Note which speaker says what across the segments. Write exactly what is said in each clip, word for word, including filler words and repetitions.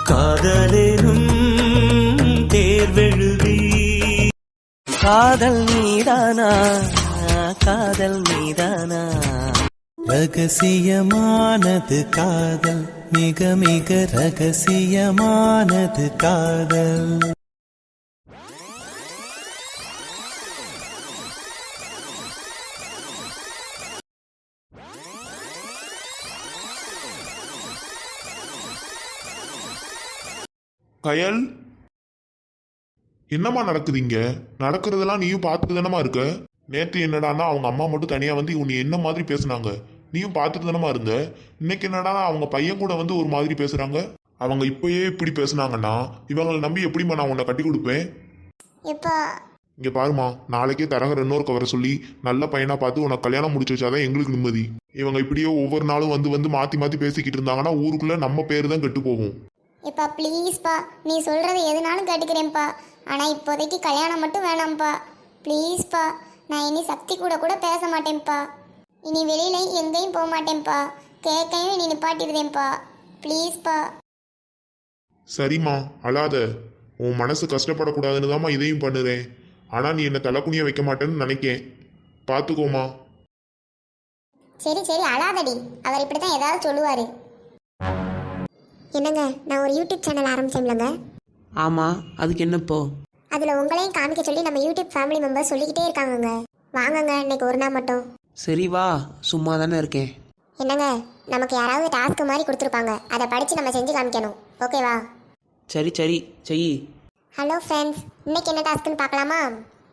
Speaker 1: காதலேனும் தேர்வெழுதி காதல் மீதானா காதல் மீதானா
Speaker 2: ரகசியமானது காதல் மிக மிக ரகசியமானது காதல்.
Speaker 3: கயல், என்னம்மா நடக்குதுங்க? நடக்கிறதெல்லாம் நீயும் பார்த்துட்டு தானமா இருக்க. நேற்று என்னடானா அவங்க அம்மா மட்டும் தனியா வந்து உன்னை என்ன மாதிரி பேசுனாங்க, நீயும் பார்த்துட்டு தானமா இருந்த. இன்னைக்கு என்னடானா அவங்க பையன் கூட வந்து ஒரு மாதிரி பேசுறாங்க. அவங்க இப்பயே இப்படி பேசுனாங்கன்னா இவங்களை நம்பி எப்படிமா நான் உன்னை கட்டி கொடுப்பேன்? இங்க பாருமா, நாளைக்கே தரகர் இன்னொரு கவரை சொல்லி நல்ல பையனா பார்த்து உனக்கு கல்யாணம் முடிச்சு வச்சாதான் எங்களுக்கு நிம்மதி. இவங்க இப்படியே ஒவ்வொரு நாளும் வந்து வந்து மாத்தி மாத்தி பேசிக்கிட்டு இருந்தாங்கன்னா ஊருக்குள்ள நம்ம பேரு தான் கெட்டு போகும்.
Speaker 4: எப்பா ப்ளீஸ்ப்பா, நீ சொல்கிறது எதுனாலும் கேட்டுக்கிறேன்ப்பா. ஆனால் இப்போதைக்கு கல்யாணம் மட்டும் வேணாம்ப்பா. ப்ளீஸ்ப்பா, நான் இனி சக்தி கூட கூட பேச மாட்டேன்ப்பா. இனி வெளியிலையும் எங்கேயும் போக மாட்டேன்ப்பா. கேட்கையும் இனி நிப்பாட்டிடுதேன்ப்பா. ப்ளீஸ்ப்பா.
Speaker 3: சரிம்மா, அழாத. உன் மனசு கஷ்டப்படக்கூடாதுன்னு தாம்மா இதையும் பண்ணுறேன். ஆனால் நீ என்னை தலைக்குனிய வைக்க மாட்டேன்னு நினைக்கேன். பார்த்துக்கோமா.
Speaker 4: சரி சரி, அழாதடி. அவர் இப்படி தான் ஏதாவது சொல்லுவார். என்னங்க, நான் ஒரு யூடியூப் சேனல் ஆரம்பிச்சேன்லங்க.
Speaker 5: ஆமாம், அதுக்கு என்ன இப்போ?
Speaker 4: அதில் உங்களையும் காமிக்க சொல்லி நம்ம யூடியூப் ஃபேமிலி மெம்பர்ஸ் சொல்லிக்கிட்டே இருக்காங்கங்க. வாங்கங்க இன்னைக்கு ஒரு நாள் மட்டும்.
Speaker 5: சரி வா, சும்மா தானே இருக்கேன்.
Speaker 4: என்னங்க, நமக்கு யாராவது டாஸ்க் மாதிரி கொடுத்துருப்பாங்க, அதை படித்து நம்ம செஞ்சு காமிக்கணும். ஓகேவா?
Speaker 5: சரி சரி செய்.
Speaker 4: ஹலோ ஃப்ரெண்ட்ஸ், இன்னைக்கு என்ன டாஸ்க்குன்னு பார்க்கலாமா?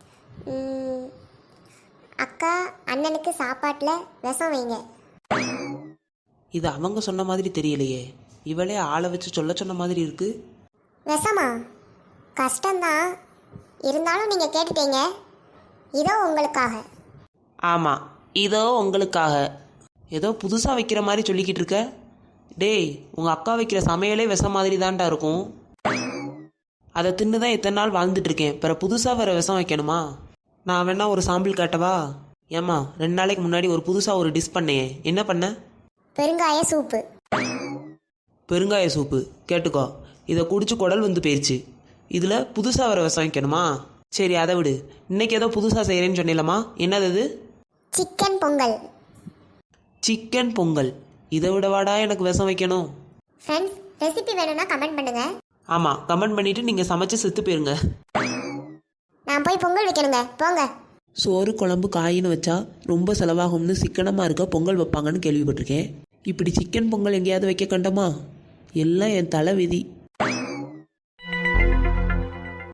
Speaker 4: அக்கா அண்ணனுக்கு சாப்பாட்டில் விஷம் வைங்க.
Speaker 5: இது அவங்க சொன்ன மாதிரி தெரியலையே. இவளே ஆளை வச்சு சொல்ல சொன்ன மாதிரி இருக்கு.
Speaker 4: விஷமா? கஷ்டம்தான், இருந்தாலும் நீங்கள் கேட்டுட்டீங்க. இதோ உங்களுக்காக.
Speaker 5: ஆமாம், இதோ உங்களுக்காக. ஏதோ புதுசாக வைக்கிற மாதிரி சொல்லிக்கிட்டு இருக்க. டேய், உங்கள் அக்கா வைக்கிற சமையலே விஷம் மாதிரி தான்டா இருக்கும். அதை தின்னு தான் எத்தனை நாள் வாழ்ந்துட்டு இருக்கேன். பிற புதுசாக வேறு விஷம் வைக்கணுமா? நான் வேணா ஒரு சாம்பிள் காட்டவா? ஏம்மா, ரெண்டு நாளைக்கு முன்னாடி ஒரு புதுசாக ஒரு டிஷ் பண்ணேன். என்ன பண்ண?
Speaker 4: பெருங்காய சூப்பு.
Speaker 5: பெருங்காய சூப்பு கேட்டுக்கோ. இதை குடிச்சு குடல் வந்து போயிடுச்சு. இதில் புதுசாக வர விஷம் வைக்கணுமா? சரி அதை விடு. இன்னைக்கு ஏதோ புதுசாக செய்கிறேன்னு சொன்னீங்களம்மா, என்னது அது?
Speaker 4: சிக்கன் பொங்கல்.
Speaker 5: சிக்கன் பொங்கல்? இதை விடவாடா எனக்கு விஷம் வைக்கணும்?
Speaker 4: ஃப்ரெண்ட்ஸ், ரெசிபி வேணும்னா கமெண்ட் பண்ணுங்க.
Speaker 5: ஆமாம், கமெண்ட் பண்ணிவிட்டு நீங்கள் சமைச்சு செத்து போயிருங்க.
Speaker 4: நான் போய் பொங்கல் வைக்கணுங்க, போங்க.
Speaker 5: சோறு குழம்பு காயின்னு வச்சா ரொம்ப செலவாகும்னு சிக்கனமாக இருக்க பொங்கல் வைப்பாங்கன்னு கேள்விப்பட்டிருக்கேன். இப்படி சிக்கன் பொங்கல் எங்கேயாவது வைக்க கண்டமா? எல்லாம் என் தலை விதி.